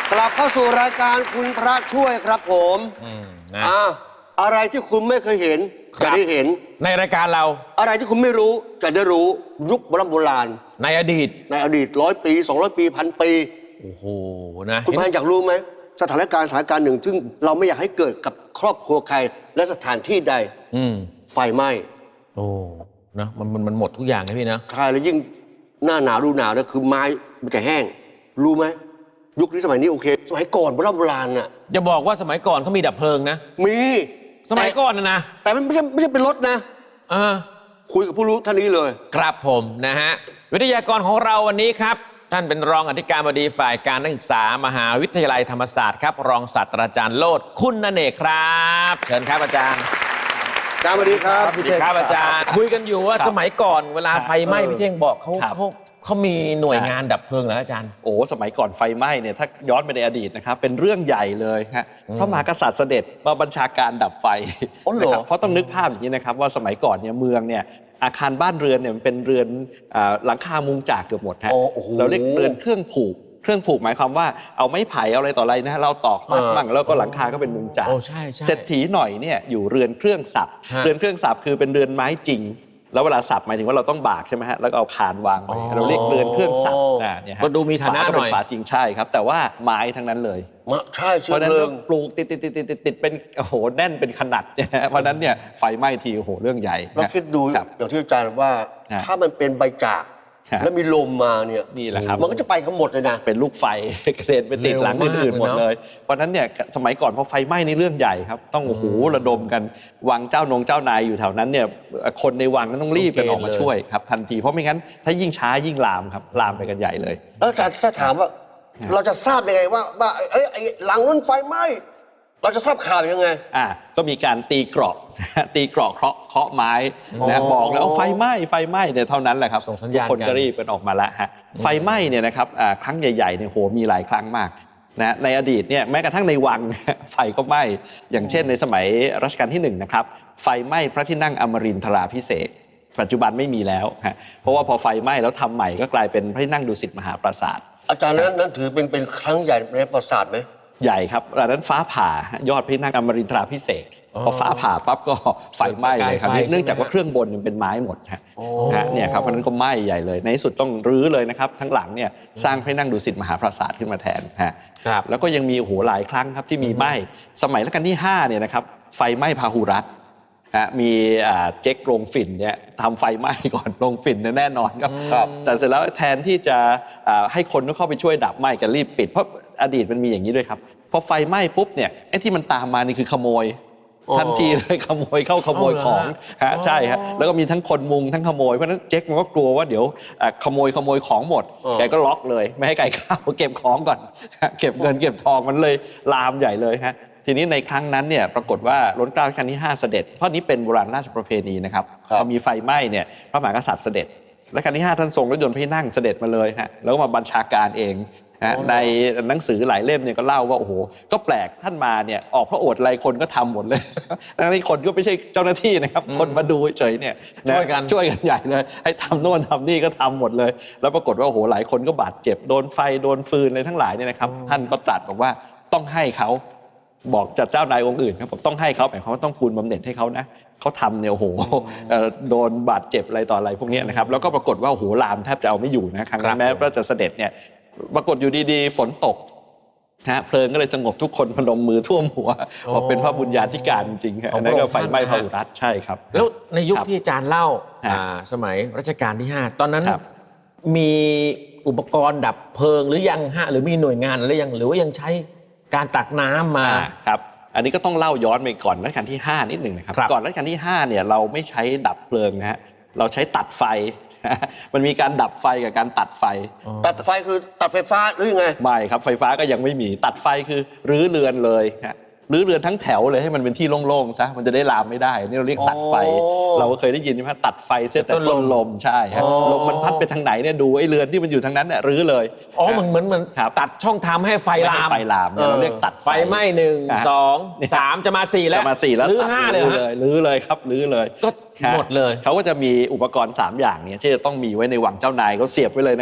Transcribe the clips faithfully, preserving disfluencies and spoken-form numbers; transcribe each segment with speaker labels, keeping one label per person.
Speaker 1: กลับเข้าสู่รายการคุณพระช่วยครับผม
Speaker 2: นะ
Speaker 1: อ่าอะไรที่คุณไม่เคยเห็นจะได้เห็น
Speaker 2: ในรายการเรา
Speaker 1: อะไรที่คุณไม่รู้จะได้รู้ยุคโบราณโบราณ
Speaker 2: ในอดีต
Speaker 1: ในอดีตร้อยปีสองร้อยปีพันปี
Speaker 2: โอ้โหนะ
Speaker 1: คุณพันอยากรู้ไหมสถานการณ์สถานการณ์หนึ่งซึ่งเราไม่อยากให้เกิดกับครอบครัวใครและสถานที่ใดไฟไหม้
Speaker 2: โอ้นะมันมันมันหมดทุกอย่างนะพี่นะ
Speaker 1: ใช่แล้วยิ่งหน้าหนาวฤดูหนาวเนี่ยคือไม้มันจะแห้งรู้ไหมยุคนี้สมัยนี้โอเคสมัยก่อนโบราณโบราณน่ะ
Speaker 2: อย่าบอกว่าสมัยก่อนเขามีดับเพลิงนะ
Speaker 1: มี
Speaker 2: สมัยก่อนนะนะ
Speaker 1: แต่มันไม่ใช่ไม่ใช่เป็นรถนะ
Speaker 2: อ่า
Speaker 1: คุยกับผู้รู้ท่านนี้เลย
Speaker 2: ครับผมนะฮะวิทยากรของเราวันนี้ครับท่านเป็นรองอธิการบดีฝ่ายการนักศึกษามหาวิทยาลัยธรรมศาสตร์ครับรองศาสตราจารย์โลดคุณเนกครับเชิญครับอาจารย์
Speaker 1: อาจารย์สวัสดีครับ
Speaker 2: สวัสดีครับอาจารย์คุยกันอยู่ว่าสมัยก่อนเวลาไฟไหม้พี่เท่งบอกเขาเขาเขามีหน่วยงานดับเพลิงเหรออาจารย์
Speaker 3: โอ้สมัยก่อนไฟไหม้เนี่ยถ้าย้อนไปในอดีตนะครับเป็นเรื่องใหญ่เลยฮะพระมหากษัตริย์เสด็จมาบัญชาการดับไฟนะครับเพราะต้องนึกภาพอย่างนี้นะครับว่าสมัยก่อนเนี่ยเมืองเนี่ยอาคารบ้านเรือนเนี่ยมันเป็นเรือนหลังคามุงจากเกือบหมดฮะเราเรียกเรือนเครื่องผูกเครื่องผูกหมายความว่าเอาไม้ไผ่เอาอะไรต่ออะไรนะเราตอกมัดบ้างแล้วก็หลังคาก็เป็นมุงจากเศรษฐีหน่อยเนี่ยอยู่เรือนเครื่องสับเรือนเครื่องสับคือเป็นเรือนไม้จริงแล้วเวลาสับหมายถึงว่าเราต้องบากใช่ไหมฮะแล้วก็เอาคานวางไว้เราเรียกเรือนเครื่องสับอ่าเนี่ย
Speaker 2: ก็ดูมีฐานะหน่อย
Speaker 3: ฝาจริงใช่ครับแต่ว่าไม้ทั้งนั้นเลย
Speaker 1: ใช่
Speaker 3: เพราะนั้นปลูกติดติดติดติดติดเป็นโอ้โหแน่นเป็นขนาดเนี่ยเพราะนั้นเนี่ยไฟไหม้ทีโอ้โหเรื่องใหญ่
Speaker 1: เราคิดดูอย่างที่อาจารย์ว่าถ้ามันเป็นใบจากแล้วมีลมมาเนี่ย
Speaker 3: นี่แหละครับ
Speaker 1: มันก็จะไปกันหมดเลยนะ
Speaker 3: เป็นลูกไฟกระเด็นไปติดหลังอื่นๆหมดเลยเพราะนั้นเนี่ยสมัยก่อนพอไฟไหม้นี่เรื่องใหญ่ครับต้องโอ้โหระดมกันวังเจ้านงเจ้านายอยู่แถวนั้นเนี่ยคนในวังนั้นต้องรีบกันออกมาช่วยครับทันทีเพราะไม่งั้นถ้ายิ่งช้ายิ่งลามครับลามไปกันใหญ่เลย
Speaker 1: แล้วอาจารย์ถ้าถามว่าเราจะทราบยังไงว่าว่าเอ้ยหลังนั้นไฟไหม้เราจะทราบข่าวยังไง
Speaker 3: อ่าก็มีการตีเกราะตีเกราะเคาะเคาะไม้นะบอกแล้วไฟไหม้ไฟไหม้เนี่ยเท่านั้นแหละครับทุกคนก็รีบกันออกมาแล้วฮะไฟไหม้เนี่ยนะครับครั้งใหญ่ๆเนี่ยโหมีหลายครั้งมากนะในอดีตเนี่ยแม้กระทั่งในวังไฟก็ไหม้อย่างเช่นในสมัยรัชกาลที่หนึ่งนะครับไฟไหม้พระที่นั่งอมรินทราภิเษกปัจจุบันไม่มีแล้วฮะเพราะว่าพอไฟไหม้แล้วทำใหม่ก็กลายเป็นพระที่นั่งดุสิตมหาปราสาท
Speaker 1: อาจารย์นั้นนั้นถือเป็นเป็นครั้งใหญ่ในประวัติศาสตร์ไหม
Speaker 3: ใหญ่ครับอันนั้นฟ้าผ่ายอดพระที่นั่งอมรินทราภิเษกพอฟ้าผ่าปั๊บก็ไฟไหม้เลยครับเนื่องจากว่าเครื่องบนเป็นไม้หมดฮะเนี่ยครับเพราะนั้นก็ไหม้ใหญ่เลยในที่สุดต้องรื้อเลยนะครับทั้งหลังเนี่ยสร้างพระที่นั่งดุสิตมหาปราสาทขึ้นมาแทนฮะแล้วก็ยังมีโอ้โหหลายครั้งครับที่มีไหม้สมัยรัชกาลที่ห้าเนี่ยนะครับไฟไหม้พาหุรัตน์มีเจ๊กโรงฝิ่นเนี่ยทำไฟไหม้ก่อนโรงฝิ่นแน่นอนครับแต่เสร็จแล้วแทนที่จะให้คนเข้าไปช่วยดับไหม้กันรีบปิดเพราะอดีตมันมีอย่างนี้ด้วยครับพอไฟไหม้ปุ๊บเนี่ยไอ้ที่มันตามมานี่คือขโมยทันทีเลยขโมยเข้าขโมยของฮะใช่ฮะแล้วก็มีทั้งคนมุงทั้งขโมยเพราะฉะนั้นเจ๊กมันก็กลัวว่าเดี๋ยวขโมยขโมยของหมดแกก็ล็อกเลยไม่ให้ใครเข้าเก็บของก่อนเก็บเงินเก็บทองมันเลยลามใหญ่เลยฮะทีนี้ในครั้งนั้นเนี่ยปรากฏว่าล้นเกล้ารัชกาลที่ห้าเสด็จเพราะนี้เป็นโบราณราชประเพณีนะครับพอมีไฟไหม้เนี่ยพระมหากษัตริย์เสด็จรัชกาลที่ห้าท่านทรงรถยนต์พระที่นั่งเสด็จมาเลยฮะแล้วก็มาบัญชาการเองในหนังสือหลายเล่มเนี่ยก็เล่าว่าโอ้โหก็แปลกท่านมาเนี่ยออกพระโอษฐ์อะไรคนก็ทำหมดเลยทั้งที่คนก็ไม่ใช่เจ้าหน้าที่นะครับคนมาดูเฉยเนี่ย
Speaker 2: ช่วยกัน
Speaker 3: ช่วยกันใหญ่เลยให้ทำโน่นทำนี่ก็ทำหมดเลยแล้วปรากฏว่าโอ้โหหลายคนก็บาดเจ็บโดนไฟโดนฟืนอะไรทั้งหลายเนี่ยนะครับท่านก็ตรัสบอกว่าต้องให้เขาบอกจัดเจ้านายองค์อื่นครับบอกต้องให้เขาหมายความว่าต้องคูณบำเหน็จให้เขานะเขาทำเนี่ยโอ้โหโดนบาดเจ็บอะไรต่ออะไรพวกนี้นะครับแล้วก็ปรากฏว่าโอ้โหลามแทบจะเอาไม่อยู่นะครั้งนั้นแม้พระจะเสด็จเนี่ยปรากฏอยู่ดีๆฝนตกนะเพลิงก็เลยสงบทุกคนพนมมือท่วมหัวบอกเป็นพระบุญญาธิการจริงๆนั่นก็ไฟไหม้พาหุรัตน์ใช่ครับ
Speaker 2: แล้วในยุคที่อาจารย์เล่าสมัยรัชกาลที่ห้าตอนนั้นมีอุปกรณ์ดับเพลิงหรือยังฮะหรือมีหน่วยงานอะไรยังหรือว่ายังใช้การตักน้ำมา
Speaker 3: ครับอันนี้ก็ต้องเล่าย้อนไปก่อนรัชกาลที่ห้านิดหนึ่งนะครับก่อนรัชกาลที่ห้าเนี่ยเราไม่ใช้ดับเพลิงนะฮะเราใช้ตัดไฟมันมีการดับไฟกับการตัดไฟ
Speaker 1: ตัดไฟคือตัดไฟฟ้าหรือยังไง
Speaker 3: ไม่ครับไฟฟ้าก็ยังไม่มีตัดไฟคือรื้อเรือนเลยฮะรื้อเรือนทั้งแถวเลยให้มันเป็นที่โล่งๆซะมันจะได้ลามไม่ได้นี่เราเรียกตัดไฟเราก็เคยได้ยินใช่ไหมตัดไฟเสียแต่ต้นลมใช่ฮะลมมันพัดไปทางไหนเนี่ยดูไอ้เรือนที่มันอยู่ทางนั้นเนี่ยรื้อเลย
Speaker 2: อ๋อเหมือนเหมือนเหมือนตัดช่องทางให้ไฟลาม
Speaker 3: ไฟลามเราเรียกตัด
Speaker 2: ไฟไหม้หนึ่งสองสามจะมาสี่แล้ว
Speaker 3: จะมาสี่แล้ว
Speaker 2: รื้อห้าเลย
Speaker 3: รื้อเลยครับรื้อเลย
Speaker 2: ก็หมดเลย
Speaker 3: เขาก็จะมีอุปกรณ์สามอย่างเนี่ยที่จะต้องมีไว้ในวังเจ้านายเขาเสียบไว้เลยนะครับ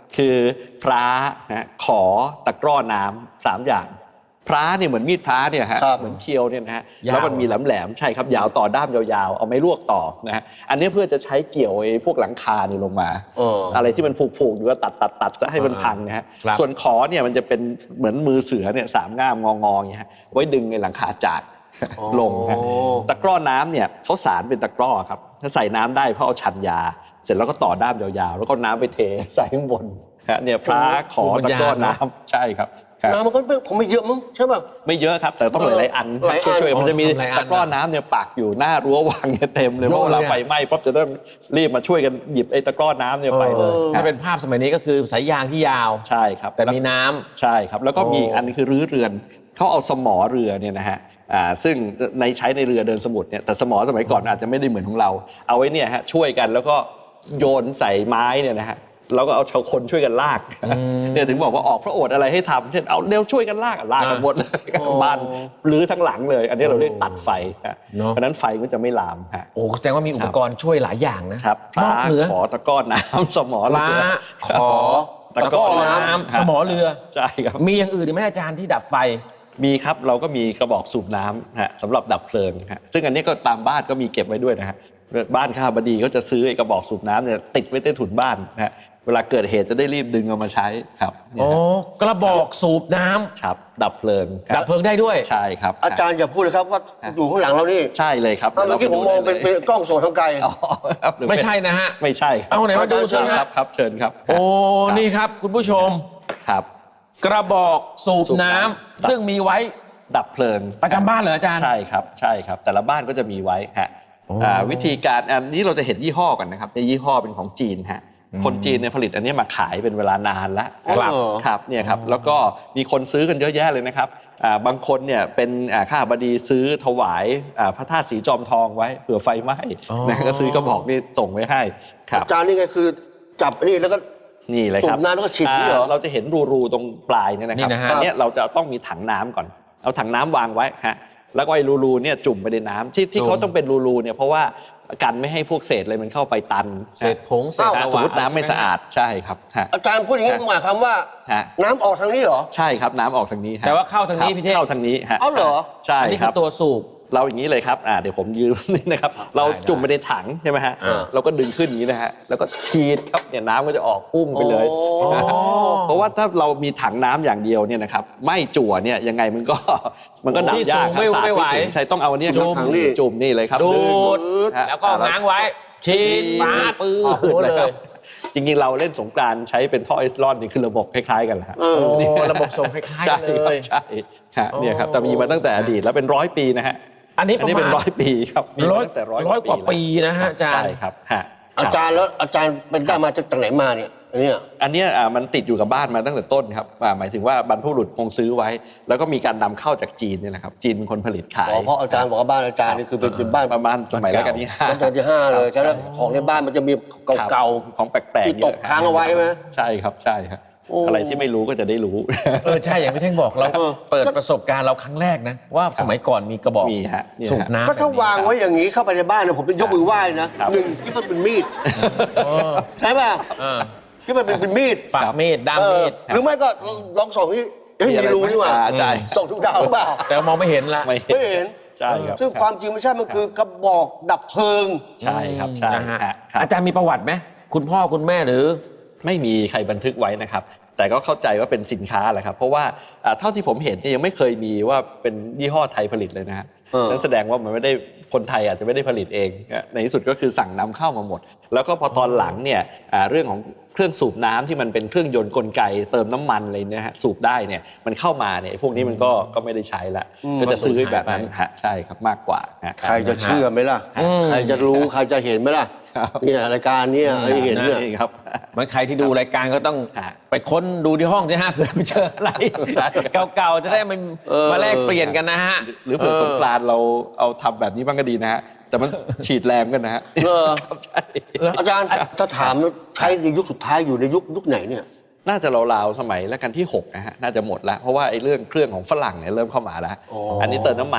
Speaker 3: คือพร้านะขอตะกร้อน้ำสามอย่างพร้าเนี่ยเหมือนมีดพร้าเนี่ยฮะ
Speaker 1: ครับ
Speaker 3: เหมือนเคียวเนี่ยนะฮะ
Speaker 2: ยาว
Speaker 3: แล้วมันมีแหลมๆใช่ครับยาวต่อด้ามยาวๆเอาไม้ลวกต่อนะฮะอันนี้เพื่อจะใช้เกี่ยวไอ้พวกหลังคานี่ลงมา
Speaker 1: เอออ
Speaker 3: อะไรที่มันผูกๆอยู่ก็ตัดตัดตัดจะให้มันพังนะฮะ
Speaker 2: ครับ
Speaker 3: ส่วนขอเนี่ยมันจะเป็นเหมือนมือเสือเนี่ยสามง่ามงอๆอย่างเงี้ยฮะไว้ดึงไอ้หลังคาจากลงฮะตะกร้อน้ำเนี่ยเขาสารเป็นตะกร้อครับถ้าใส่น้ำได้เพราะเอาชันยา เสร็จแล้วก็ต่อด้ามยาวๆแล้วก็น้ำไปเทใส่ข้างบนฮะเนี่ยพระขอตะกร้อน้ำใช่ครับครับ
Speaker 1: น้ำมันก็คงไม่เยอะมั้งใช่ป่ะ
Speaker 3: ไม่เยอะครับแต่ต้องหลายๆอัน
Speaker 1: หลายอัน
Speaker 3: ช่วยๆมันจะมี
Speaker 2: หลายอัน
Speaker 3: ตะกร้อน้ำเนี่ยปักอยู่หน้ารั้ววังเนี่ยเต็มเลยเพราะเวลาไฟไหม้ปั๊บจะได้รีบมาช่วยกันหยิบไอ้ตะกร้อน้ำเนี่ยไปเลย
Speaker 2: ถ้าเป็นภาพสมัยนี้ก็คือสายยางที่ยาว
Speaker 3: ใช่ครับ
Speaker 2: แต่มีน้ำ
Speaker 3: ใช่ครับแล้วก็มีอีกอันนึงคือรื้อเรือนเขาเอาสมอเรือเนี่ยนะฮะอ่าซึ่งในใช้ในเรือเดินสมุทรเนี่ยแต่สมอสมัยก่อนอาจจะไม่ได้เหมือนของเรา เอาไว้เนี่ยฮะช่วยกันแล้วก็โยนใส่ไม้เนี่ยนะฮะแล้วก็เอาชาวคนช่วยกันลากเนี่ยถึงบอกว่าออกพระโอษฐ์อะไรให้ทำเช่นเอาเร็วช่วยกันลากลากกันหมดเลยบ้านรื้อทั้งหลังเลย อันนี้เราเรียกตัดไฟฮะ
Speaker 2: เนอะ
Speaker 3: เพราะฉะนั้นไฟมันจะไม่ลามฮะ
Speaker 2: โอ้แสดงว่ามีอุปกรณ์ช่วยหลายอย่างนะครับ
Speaker 3: พ
Speaker 2: น
Speaker 3: ระ
Speaker 2: อกเหนือ
Speaker 3: ขอตะกร้อน้ำสมอ
Speaker 2: ป
Speaker 3: เรื
Speaker 2: ลา
Speaker 3: อ
Speaker 2: ขอ
Speaker 3: ตะกร้อน้ำ
Speaker 2: น้ำสมอเรือ
Speaker 3: ใช่ครับ
Speaker 2: มีอย่างอื่นอีกไหมอาจารย์ที่ดับไฟ
Speaker 3: มีครับเราก็มีกระบอกสูบน้ำฮะสำหรับดับเพลิงฮะซึ่งอันนี้ก็ตามบ้านก็มีเก็บไว้ด้วยนะฮะบ้านข้าบดีก็จะซื้อไอ้กระบอกสูบน้ำเนี่ยติดไว้ใต้ถุนบ้านนะฮะเวลาเกิดเหตุจะได้รีบดึงเอามาใช้ครับเนี่ย
Speaker 2: โอ้
Speaker 3: ฮะ
Speaker 2: กระบอกสูบน้ำ
Speaker 3: ครับดับเพลิงค
Speaker 2: ดั
Speaker 3: รั
Speaker 2: บบ เพลิงได้ด้วย
Speaker 3: ใช่ครับ
Speaker 1: อาจารย์อย่าพูดเลยครับว่าอยู่ข้างหลังเรานี่
Speaker 3: ใช่เลยครับ
Speaker 1: อ้าวเมื่อกี้ผมมองเป็นเป็นกล้องส่องทางไกล
Speaker 3: อ๋อครับหรือ
Speaker 2: ไม่ใช่นะฮะ
Speaker 3: ไม่ใช่ครับ
Speaker 2: เอาไหนมาดูสิ
Speaker 3: ค
Speaker 2: ฮะ
Speaker 3: รับครับเชิญครับ
Speaker 2: โอ้ นี่ครับคุณผู้ชม
Speaker 3: ครับ
Speaker 2: กระบอกสูบ
Speaker 3: สูบ
Speaker 2: น้ำ
Speaker 3: น้ำ
Speaker 2: ซึ่งมีไว้
Speaker 3: ดับเพลิง
Speaker 2: ประจำบ้านเหรออาจารย์
Speaker 3: ใช่ครับใช่ครับแต่ละบ้านก็จะมีไว้ฮะ
Speaker 2: โอ้
Speaker 3: อ่าวิธีการอันนี้เราจะเห็นยี่ห้อกันนะครับในยี่ห้อเป็นของจีนฮะคนจีนเนี่ยผลิตอันนี้มาขายเป็นเวลานานแล้ว
Speaker 1: ครับ
Speaker 3: ครับเนี่ยครับแล้วก็มีคนซื้อกันเยอะแยะเลยนะครับอ่าบางคนเนี่ยเป็นอ่าข้าบดีซื้อถวายอ่าพระธาตุสีจอมทองไว้เผื่อไฟไหม้
Speaker 2: อ๋อ
Speaker 3: นะก็ซื้อกระบอกนี่ส่งไว้ให้ครับ
Speaker 1: อาจารย์นี่ไงคือจับนี่แล้วก็
Speaker 3: นี่เลยครับ
Speaker 1: สูบน้ำแล้วก็ฉีดนี่เหรอ
Speaker 3: เราจะเห็นรูๆตรงปลายเนี่ยนะครับ
Speaker 2: นี่นะฮะ
Speaker 3: อันเนี้ยเราจะต้องมีถังน้ำก่อนเอาถังน้ำวางไว้ฮะแล้วก็ไอ้รูๆเนี่ยจุ่มไปในน้ำที่ที่เขาต้องเป็นรูๆเนี่ยเพราะว่ากันไม่ให้พวกเศษอะไรมันเข้าไปตัน
Speaker 2: เศษผงเศษ
Speaker 1: อ้าว
Speaker 2: ส
Speaker 3: สม
Speaker 2: วะ
Speaker 3: มติน้ำไม่สะอาดใช่ครับฮะ
Speaker 1: อาจารย์พูดอย่างนี้หมายความว่า
Speaker 3: ฮะ
Speaker 1: น้ำออกทางนี้เหรอ
Speaker 3: ใช่ครับน้ำออกทางนี้ฮะ
Speaker 2: แต่ว่าเข้าทางนี้
Speaker 3: ครับ
Speaker 2: พี่เท่ง
Speaker 3: เข้าทางนี้ฮะ
Speaker 1: เอาเหรอ
Speaker 3: ใช่
Speaker 2: อันนี้
Speaker 3: ค
Speaker 2: คื
Speaker 3: รับ
Speaker 2: อตัวสูบ
Speaker 3: เราอย่างนี้เลยครับอ่าเดี๋ยวผมยืม นี่นะครับเรา
Speaker 2: ได้
Speaker 3: จุ่มไปในถังใช่ไหมฮะ
Speaker 1: เออ
Speaker 3: เราก็ดึงขึ้นอย่างนี้นะฮะแล้วก็ฉีดครับเนี่ยน้ำก็จะออกพุ่งไปเลย
Speaker 1: โอ้
Speaker 3: เพราะว่าถ้าเรามีถังน้ำอย่างเดียวเนี่ยนะครับไม่จั่วเนี่ยยังไงมันก็ มันก็ดับ
Speaker 2: ที่
Speaker 3: ยาก
Speaker 2: สูงไม่
Speaker 3: สาด
Speaker 2: ไม่ไหว
Speaker 3: ถึงใช่ต้องเอาอันเนี้ยครับ
Speaker 1: จุ่มถังนี่
Speaker 3: จุ่มนี่เลยครับ
Speaker 2: ดูด
Speaker 3: งฮะ
Speaker 2: แล้วก็ง้างไว้ ฉีดฟาด
Speaker 3: ปื้
Speaker 2: โอ้โห
Speaker 3: ด
Speaker 2: เล
Speaker 3: เลยครั
Speaker 2: ย
Speaker 3: บจริงๆเราเล่นสงกรานต์ใช้เป็นท่อไอซ์ลอนนี่คือระบบคล้ายๆกันแหละฮะ
Speaker 1: เออ
Speaker 2: โอ้ระบบส่งคล้าย
Speaker 3: ใช่
Speaker 2: ๆเล
Speaker 3: ครับ
Speaker 2: ย
Speaker 3: ใช่ฮะเนี่ยครับแต่มีมาตั้งแต่อดีตแล้วเป็นร้อยปีนะฮะ
Speaker 2: อันนี้
Speaker 3: อันนี้
Speaker 2: ประ
Speaker 3: เป็น
Speaker 2: มาณ
Speaker 3: ร้อยปีครับมี
Speaker 2: ร้
Speaker 3: มา
Speaker 2: อย
Speaker 3: ตั้งแต่ร้อย
Speaker 2: ร้อยกว่าปีนะฮะ
Speaker 3: แล้ว
Speaker 2: อาจารย์
Speaker 3: ใช่ครับฮะ
Speaker 1: อาจารย์แล้วอาจารย์เป็นได้มาจากไหนมาเนี่ยอันเนี้ย
Speaker 3: อันเนี้ยอ่ามันติดอยู่กับบ้านมาตั้งแต่ต้นครับอ่าหมายถึงว่าบรรพบุรุษคงซื้อไว้ แล้วก็มีการนำเข้าจากจีนเนี่ยนะครับจีนเป็นคนผลิตขาย
Speaker 1: อ๋อเพราะอาจารย์บอกว่าบ้านอาจารย์นี่คือเป็นเป็นบ้าน
Speaker 3: ประมาณสมัยรัชกาลที่ห้า
Speaker 1: รัชกาลที่ห้าเลยใช่ไหมของในบ้านมันจะมีเก่า
Speaker 3: ของแปลกๆ
Speaker 1: ที่ตก
Speaker 3: เยอะ
Speaker 1: ค้างเอาไว้ไหม
Speaker 3: ใช่ครับใช่ครับ
Speaker 1: โอ้
Speaker 3: อะไรที่ไม่รู้ก็จะได้รู้
Speaker 2: เออใช่อย่างพี่เท่งบอกเรา
Speaker 1: เออ
Speaker 2: เปิดประสบการณ์เราครั้งแรกนะ ว่าสมัยก่อนมีกระบอก
Speaker 3: มีฮะเนี่ยฮะ
Speaker 2: สูบน้ำ
Speaker 1: ก็ถ้า
Speaker 2: แบบนี้
Speaker 1: วางไว้อย่างนี้เข้าไปในบ้านเนี่ยผมจะยกมือไหว้นะครับ หนึ่งคิดว่าเป็นมีด
Speaker 2: เออ
Speaker 1: ใช่ป่ะ
Speaker 2: เออ
Speaker 1: คิดว่าเป็นเป็นมีด
Speaker 2: ฝักมีดด้าม
Speaker 1: เออ
Speaker 2: มีด
Speaker 1: หรือไม่ก็ลองส่องที่เฮ้ย
Speaker 3: มีอะไร
Speaker 1: มีรูนี่หว่า
Speaker 3: อ่าใช่
Speaker 1: ส่องทุกดาวหรือเปล่า
Speaker 2: แต่มองไม่เห็นละ
Speaker 3: ไม่
Speaker 1: ไม่เห็น
Speaker 3: ใช่ครับ
Speaker 1: ซึ่งความจริงไม่ใช่มันคือกระบอกดับเพลิง
Speaker 3: ใช่ครับใช่
Speaker 2: นะฮะ
Speaker 3: ฮะครับ
Speaker 2: อาจารย์มีประวัติไหมคุณพ่อคุณแม่หรือ
Speaker 3: ไม่มีใครบันทึกไว้นะครับ แต่ก็เข้าใจว่าเป็นสินค้าแหละครับ เพราะว่าอ่าเท่าที่ผมเห็นเนี่ยยังไม่เคยมีว่าเป็นยี่ห้อไทยผลิตเลยนะฮะ
Speaker 1: เออ
Speaker 3: นั่นแสดงว่ามันไม่ได้คนไทยอาจจะไม่ได้ผลิตเองนะในที่สุดก็คือสั่งนำเข้ามาหมด แล้วก็พอตอนหลังเนี่ยอ่าเรื่องของเครื่องสูบน้ำที่มันเป็นเครื่องยนต์กลไกเติมน้ำมันอะไรเนี่ยฮะสูบได้เนี่ยมันเข้ามาเนี่ยพวกนี้มันก็ก็ไม่ได้ใช้ละก็จะซื้อแบบนั้นฮะใช่ครับมากกว่าฮะ
Speaker 1: ใครจะเชื่อไหมล่ะ
Speaker 2: อืม
Speaker 1: ใครจะรู้ใครจะเห็นไหมล่ะ
Speaker 3: ครับ
Speaker 1: เนี่ยรายการเนี่ยใครเห็นเนี่ย
Speaker 3: นี่ครับ
Speaker 2: เหมือนใครที่ดูรายการก็ต้อง
Speaker 3: ฮะ
Speaker 2: ไปค้นดูที่ห้องที่ห้าเผื่อไปเจออะไร
Speaker 3: ใช่
Speaker 2: เก่าๆจะได้มัน
Speaker 1: เออ
Speaker 2: มาแลกเปลี่ยนกันนะฮะ
Speaker 3: หรือเผื่อสงกรานต์เราเอาทำแบบนี้บ้างก็ดีนะฮะแต่มันฉีดแรงกันนะฮะ
Speaker 1: เออ
Speaker 3: ครับใช่
Speaker 1: อาจารย์ถ้าถามใช้ในยุคสุดท้ายอยู่ในยุคยุคไหนเนี่ย
Speaker 3: น่าจะราวๆสมัยรัชกาลที่หกนะฮะน่าจะหมดแล้วเพราะว่าไอ้เรื่องเครื่องของฝรั่งเนี่ยเริ่มเข้ามาแล้ว
Speaker 1: อ๋ออั
Speaker 3: อันนี้เติมน้ำมัน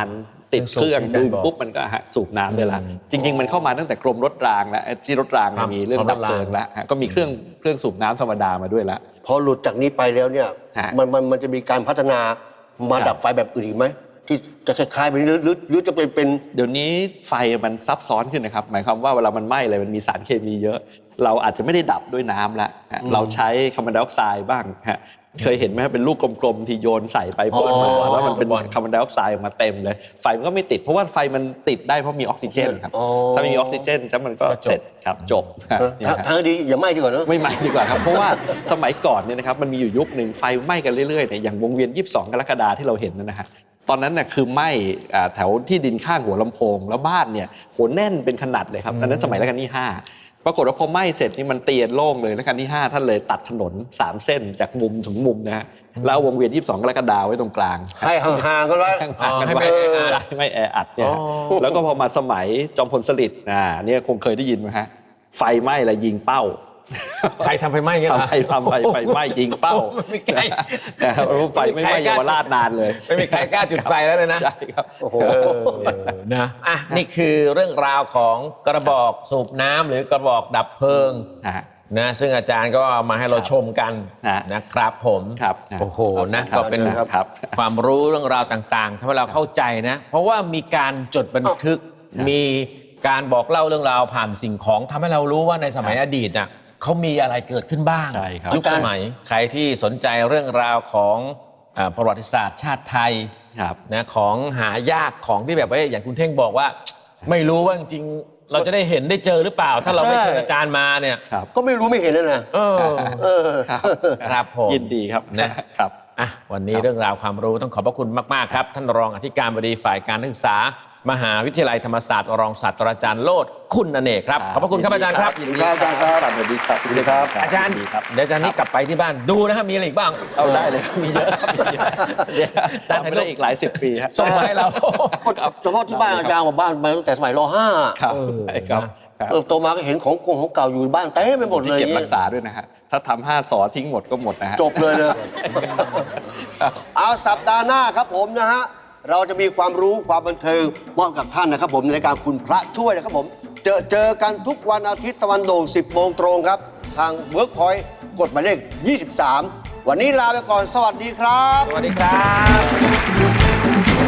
Speaker 3: ติดเครื่อง
Speaker 2: เครื่องสูบ
Speaker 3: ดึงปุ๊บมันก็ฮะสูบน้ำได้ละจริง ๆ มันเข้ามาตั้งแต่กรมรถรางแล้วที่รถรางเนี่ยมีเรื่องดับเพลิงแล้วฮะก็มีเครื่องเครื่องสูบน้ำธรรมดามาด้วยละ
Speaker 1: พอหลุดจากนี้ไปแล้วเนี่ย
Speaker 3: ฮะ
Speaker 1: มันมันมันจะมีการพัฒนามา
Speaker 3: ครับ
Speaker 1: ดับไฟแบบอื่นอีกไหมที่จะคล้ายๆแบบนี้หรือหรือหรือจะเป็นเป็น
Speaker 3: เดี๋ยวนี้ไฟมันซับซ้อนขึ้นนะครับหมายความว่าเวลามันไหม้อะไรมันมีสารเคมีเยอะ เราอาจจะไม่ได้ดับด้วยน้ำละฮะเราใช้คาร์บอนไดออกไซด์บ้างฮะเคยเห็นไหมครับเป็นลูกกลมๆที่โยนใส่ไปพ่นมา
Speaker 1: อ๋อ
Speaker 3: แล้วมันเป็น
Speaker 2: บอล
Speaker 3: คาร์บอนไดออกไซด์ออกมาเต็มเลยไฟมันก็ไม่ติดเพราะว่าไฟมันติดได้เพราะมีออกซิเจนครับ
Speaker 1: อ๋อ
Speaker 3: ถ้าไม่มีออกซิเจนจะมันก็
Speaker 2: ก็จบ
Speaker 3: เสร็จครับจบฮะ
Speaker 1: เออ
Speaker 3: เนี่ย
Speaker 1: ทาง
Speaker 3: ฮะ
Speaker 1: ทางที่ดีอย่าไหม้ดีกว่าเนอะ
Speaker 3: ไม่ไหม้ดีกว่าครับเพราะว่าสมัยก่อนเนี่ยนะครับมันมีอยู่ยุคหนึ่งไฟไหม้กันเรื่อยๆเนี่ยอย่างวงเวียนยี่สิบสองกรกฎาคมที่เราเห็นนะฮะตอนนั้นน่ะคือไหม้อ่าแถวที่ดินข้างหัวลำโพงแล้วบ้านเนี่ยโหแน่นเป็นขนาดเลยครับอันนั้นสมัยรัชกาลที่ห้าปรากฏว่าพอไหม้เสร็จนี่มันเตียนโล่งเลยรัชกาลที่ห้าท่านเลยตัดถนนสามเส้นจากมุมถึงมุมนะฮะแล้วเอาวงเวียนยี่สิบสองกรกฎาคมไว้ตรงกลาง
Speaker 1: ให้ห่างๆกันไว้
Speaker 3: ห่างๆกัน
Speaker 2: ให้
Speaker 3: ไว้
Speaker 2: ไม่แออัด
Speaker 3: ใช่ไม่แออัดเนี่ยฮะแล้วก็พอมาสมัยจอมพลสฤษดิ์อ่าเนี่ยคงเคยได้ยินไหมฮะไฟไหม้แล้วยิงเป้า
Speaker 2: ใครทำไฟไหม้เงี้ยเหรอ
Speaker 3: ไฟทำไฟไฟไหม้ยิงเป้า
Speaker 2: ไม่มีใคร
Speaker 3: นะครับไฟไม่ไหม้เยาวราชนานเลย
Speaker 2: ไม่มีใครกล้าจุดไฟแล้วเลยนะ
Speaker 3: ใช่ครับ
Speaker 1: โอ้โห
Speaker 2: เออนะอ่ะนี่คือเรื่องราวของกระบอกสูบน้ำหรือกระบอกดับเพลิง
Speaker 3: ฮะ
Speaker 2: นะซึ่งอาจารย์ก็เอามาให้เราชมกัน
Speaker 3: ฮะ
Speaker 2: นะครับผม
Speaker 3: ครับ
Speaker 2: โอ้โหนะ
Speaker 3: ครับ
Speaker 2: ก็เป็น
Speaker 3: ครับครับ
Speaker 2: ความรู้เรื่องราวต่างๆทำให้เราเข้าใจนะ เพราะว่ามีการจดบันทึก
Speaker 3: ครับ
Speaker 2: มีการบอกเล่าเรื่องราวผ่านสิ่งของทำให้เรารู้ว่าในสมัยอดีตน่ะเขามีอะไรเกิดขึ้นบ้าง
Speaker 3: ใช่ครับ
Speaker 2: ยุคสมัยใครที่สนใจเรื่องราวของเอ่อประวัติศาสตร์ชาติไทย
Speaker 3: ครับ
Speaker 2: นะของหายากของที่แบบว่าอย่างคุณเท่งบอกว่า ไม่รู้ว่าจริงๆเราจะได้เห็นได้เจอหรือเปล่า ถ้าเราไม่
Speaker 1: ใช่
Speaker 2: เชิญอาจารย์มาเนี่ย
Speaker 3: ครับ
Speaker 1: ก็ไม่รู้ไม่เห็นนะนะ
Speaker 2: เออ
Speaker 1: เออ
Speaker 3: ครับ
Speaker 2: ครับผม
Speaker 3: ยินดีครับ
Speaker 2: นะ
Speaker 3: ครับ
Speaker 2: อ่ะวันนี้เรื่องราวความรู้ต้องขอบพระคุณมากๆครับท่านรองอธิการบดีฝ่ายการศึกษามหาวิทยาลัยธรรมศาสตร์รองศาสตราจารย์โลดคุณอเนกครับขอบพระคุณครับอาจารย์ครับ
Speaker 3: ยินดีครับอาจารย์ครับสวัสดีครับ
Speaker 1: สวัสดีครับ
Speaker 2: อาจารย์
Speaker 3: ยินดีครับ
Speaker 2: เดี๋ยวอาจารย์นี่กลับไปที่บ้านดูนะครับมีอะไรอีกบ้าง
Speaker 3: เอาได้เลยครับมีเยอะครับมีเยอะเดี๋ยวจำไม่ได้อีกหลายสิบปีฮะ
Speaker 2: ส่งมาให้เรา
Speaker 1: เฉพาะที่บ้านอาจารย์ของบ้านมาตั้งแต่สมัยรห้า
Speaker 3: ครับ
Speaker 2: เออ
Speaker 3: ใช่ครับครับ
Speaker 1: เออโตมาก็เห็นของกงของเก่าอยู่บ้านเต็มไปหมด
Speaker 3: ที่
Speaker 1: เลย
Speaker 3: เก็บรักษาด้วยนะฮะถ้าทำห้าสอทิ้งหมดก็หมดนะฮะ
Speaker 1: จบเลยนะเอาสัปดาห์หน้าครับผมนะฮะเราจะมีความรู้ความบันเทิงมอบกับท่านนะครับผมในรายการคุณพระช่วยนะครับผมเจอเจอกันทุกวันอาทิตย์ตะวันโด่งสิบโมงตรงครับ ทาง Workpoint กดหมายเลขยี่สิบสามวันนี้ลาไปก่อนสวัสดีครับ
Speaker 2: สวัสดีครับ